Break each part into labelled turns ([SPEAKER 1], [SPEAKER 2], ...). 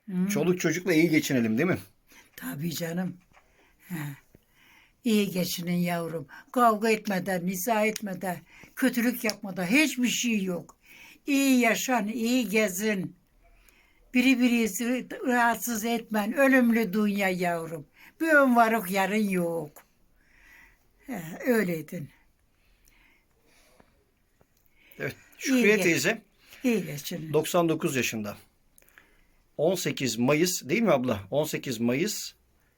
[SPEAKER 1] Hı.
[SPEAKER 2] Çoluk çocukla iyi geçinelim değil mi?
[SPEAKER 1] Tabii canım. He. İyi geçinin yavrum. Kavga etmeden, niza etmeden, kötülük yapmadan hiçbir şey yok. İyi yaşan, iyi gezin. Birbirinizi rahatsız etmen. Ölümlü dünya yavrum. Bir ön varık yarın yok. He, öyleydin.
[SPEAKER 2] Evet.
[SPEAKER 1] İyi
[SPEAKER 2] Şükriye
[SPEAKER 1] geç.
[SPEAKER 2] teyze
[SPEAKER 1] İyi geçinin.
[SPEAKER 2] 99 yaşında. 18 Mayıs değil mi abla? 18 Mayıs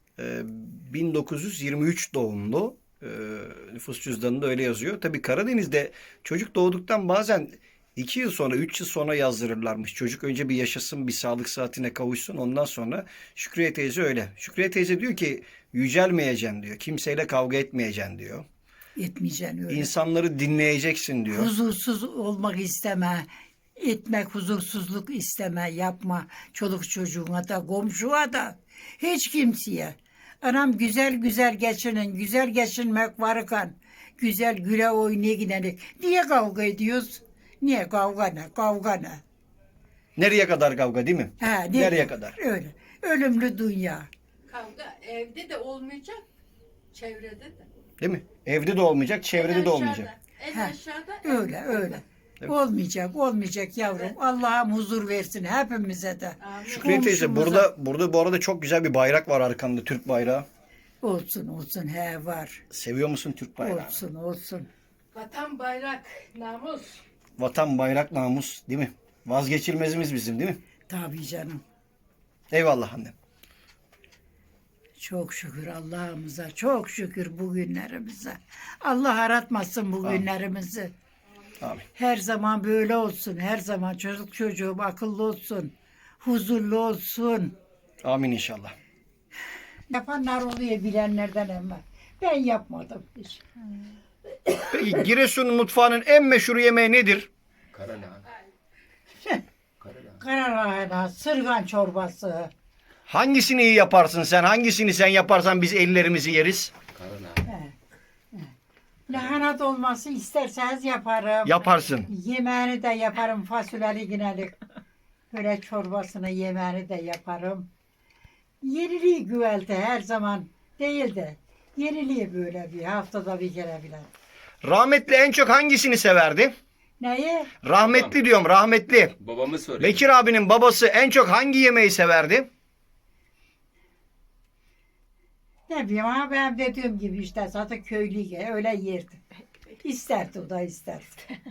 [SPEAKER 2] 1923 doğumlu. Nüfus cüzdanında öyle yazıyor. Tabii Karadeniz'de çocuk doğduktan bazen 2 yıl sonra, 3 yıl sonra yazdırırlarmış. Çocuk önce bir yaşasın, bir sağlık saatine kavuşsun. Ondan sonra Şükriye teyze öyle. Şükriye teyze diyor ki yücelmeyeceksin diyor. Kimseyle kavga etmeyeceksin diyor.
[SPEAKER 1] Etmeyeceksin öyle.
[SPEAKER 2] İnsanları dinleyeceksin diyor.
[SPEAKER 1] Huzursuz olmak isteme. Etmek, huzursuzluk isteme, yapma. Çoluk çocuğuna da, komşuya da. Hiç kimseye. Anam güzel güzel geçinin, güzel geçinmek varken, güzel güle oynaya gidelim. Niye kavga ediyoruz? Niye kavga ne? Kavga ne?
[SPEAKER 2] Nereye kadar kavga değil mi?
[SPEAKER 1] Ha,
[SPEAKER 2] Nereye kadar?
[SPEAKER 1] Öyle. Ölümlü dünya.
[SPEAKER 3] Kavga evde de olmayacak, çevrede de.
[SPEAKER 2] Değil mi? Evde de olmayacak, çevrede de olmayacak.
[SPEAKER 3] En
[SPEAKER 1] Ha,
[SPEAKER 3] aşağıda.
[SPEAKER 1] Öyle öyle.
[SPEAKER 2] Evet.
[SPEAKER 1] Olmayacak, olmayacak yavrum. Allah'ım huzur versin hepimize de.
[SPEAKER 3] Amin.
[SPEAKER 2] Şükriye teyze
[SPEAKER 1] Komşumuza.
[SPEAKER 2] burada bu arada çok güzel bir bayrak var arkanda, Türk bayrağı.
[SPEAKER 1] Olsun olsun he var.
[SPEAKER 2] Seviyor musun Türk bayrağını?
[SPEAKER 1] Olsun olsun.
[SPEAKER 3] Vatan, bayrak, namus.
[SPEAKER 2] Vatan, bayrak, namus değil mi? Vazgeçilmezimiz bizim değil mi?
[SPEAKER 1] Tabii canım.
[SPEAKER 2] Eyvallah annem.
[SPEAKER 1] Çok şükür Allah'ımıza, çok şükür bugünlerimize. Allah aratmasın bugünlerimizi.
[SPEAKER 2] Amin.
[SPEAKER 1] Her zaman böyle olsun, her zaman çocuk çocuğum akıllı olsun, huzurlu olsun.
[SPEAKER 2] Amin inşallah.
[SPEAKER 1] Yapanlar oluyor bilenlerden ama ben yapmadım hiç.
[SPEAKER 2] Peki Giresun mutfağının en meşhur yemeği nedir?
[SPEAKER 4] Karalahana. Karalahana.
[SPEAKER 1] Karalahana, sırgan çorbası.
[SPEAKER 2] Hangisini iyi yaparsın sen? Hangisini sen yaparsan biz ellerimizi yeriz?
[SPEAKER 4] Karalahana.
[SPEAKER 1] Lahana dolması isterseniz yaparım.
[SPEAKER 2] Yaparsın.
[SPEAKER 1] Yemeğini de yaparım fasulyeli ginelik. Böyle çorbasını yemeğini de yaparım. Yeniliği güvelte her zaman değil de yeniliği böyle bir haftada bir kere bile.
[SPEAKER 2] Rahmetli en çok hangisini severdi?
[SPEAKER 1] Neyi?
[SPEAKER 2] Rahmetli diyorum, rahmetli.
[SPEAKER 4] Babamı soruyor.
[SPEAKER 2] Bekir abinin babası en çok hangi yemeği severdi?
[SPEAKER 1] Ne bileyim ama ben dediğim gibi işte zaten köylüye öyle yerdi. İsterdi o da isterdi.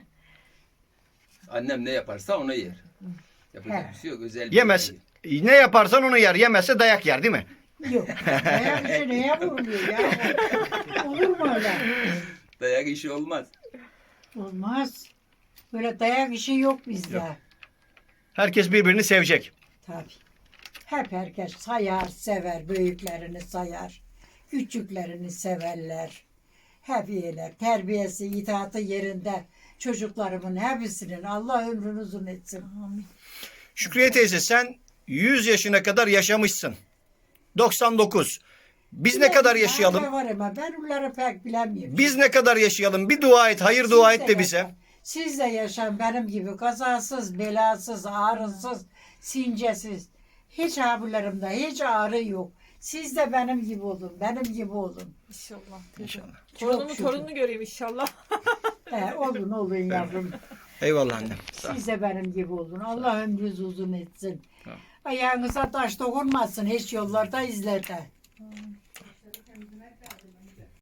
[SPEAKER 4] Annem ne yaparsa onu yer. Yapacak
[SPEAKER 1] He.
[SPEAKER 4] bir şey yok. Özel bir
[SPEAKER 2] Yemez.
[SPEAKER 4] şey.
[SPEAKER 2] Ne yaparsan onu yer. Yemezse dayak yer değil mi?
[SPEAKER 1] Yok. Dayak işi neye vuruluyor ya? Olur mu öyle?
[SPEAKER 4] Dayak işi olmaz.
[SPEAKER 1] Olmaz. Böyle dayak işi yok bizde.
[SPEAKER 2] Yok. Herkes birbirini sevecek.
[SPEAKER 1] Tabii. Hep herkes sayar, sever. Büyüklerini sayar. Küçüklerini severler. Hep iyiler. Terbiyesi, itaatı yerinde. Çocuklarımın hepsinin Allah ömrünü uzun etsin.
[SPEAKER 2] Şükriye teyze sen 100 yaşına kadar yaşamışsın. 99. Biz ne kadar yaşayalım?
[SPEAKER 1] Ben var ama ben onları pek bilemiyorum.
[SPEAKER 2] Biz ne kadar yaşayalım? Bir dua et, hayır dua et de bize.
[SPEAKER 1] yaşayın. Siz de yaşayın benim gibi kazasız, belasız, ağrısız, sincesiz. Hiç ağrılarımda hiç ağrı yok. Siz de benim gibi olun, benim gibi olun.
[SPEAKER 5] İnşallah.
[SPEAKER 2] İnşallah.
[SPEAKER 5] Torunumu
[SPEAKER 1] şükür.
[SPEAKER 5] torununu göreyim inşallah.
[SPEAKER 1] Olun olun yavrum.
[SPEAKER 2] Eyvallah annem. Sağ ol.
[SPEAKER 1] Siz de benim gibi olun. Allah ömrünüzü uzun etsin.
[SPEAKER 2] Tamam.
[SPEAKER 1] Ayağınıza taş dokunmasın hiç yollarda izlerde.